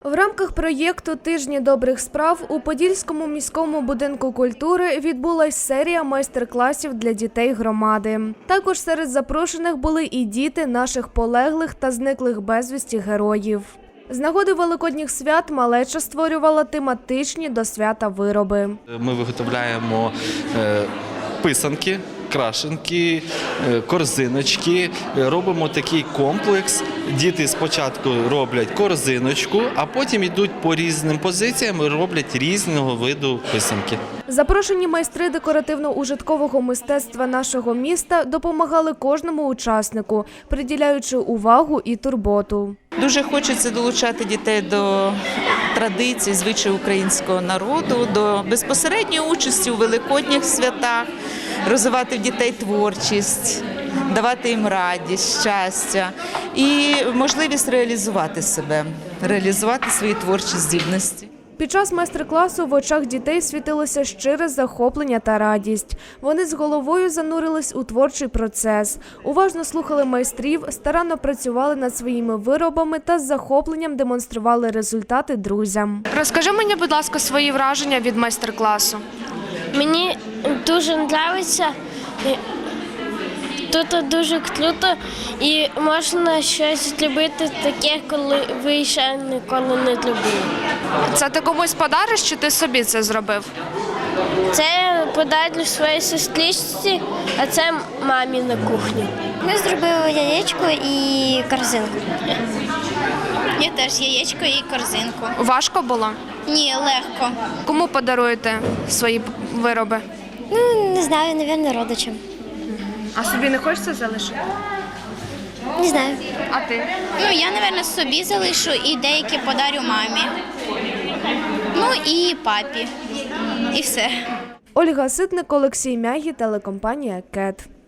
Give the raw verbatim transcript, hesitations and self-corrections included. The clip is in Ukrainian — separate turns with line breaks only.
В рамках проєкту «Тижні добрих справ» у Подільському міському будинку культури відбулась серія майстер-класів для дітей громади. Також серед запрошених були і діти наших полеглих та зниклих безвісті героїв. З нагоди великодніх свят малеча створювала тематичні до свята вироби.
Ми виготовляємо писанки, крашенки, корзиночки. Робимо такий комплекс. Діти спочатку роблять корзиночку, а потім йдуть по різним позиціям і роблять різного виду писанки.
Запрошені майстри декоративно-ужиткового мистецтва нашого міста допомагали кожному учаснику, приділяючи увагу і турботу.
Дуже хочеться долучати дітей до традицій, звичаїв українського народу, до безпосередньої участі у великодніх святах, розвивати в дітей творчість, давати їм радість, щастя і можливість реалізувати себе, реалізувати свої творчі здібності.
Під час майстер-класу в очах дітей світилося щире захоплення та радість. Вони з головою занурились у творчий процес, уважно слухали майстрів, старанно працювали над своїми виробами та з захопленням демонстрували результати друзям. Розкажи мені, будь ласка, свої враження від майстер-класу.
Мені дуже подобається. Тут дуже круто і можна щось любити таке, коли ви ще ніколи не любили.
Це ти комусь подариш, чи ти собі це зробив?
Це подарю своїй сестричці, а це мамі на кухні.
Ми зробили яєчко і корзинку.
Я теж яєчко і корзинку.
Важко було?
Ні, легко.
Кому подаруєте свої вироби?
Ну, не знаю, мабуть, родичам.
А собі не хочеться залишити?
Не знаю.
А ти?
Ну, я, мабуть, собі залишу і деякі подарю мамі. Ну і папі. І все.
Ольга Ситник, Олексій Мягі, телекомпанія «Кет».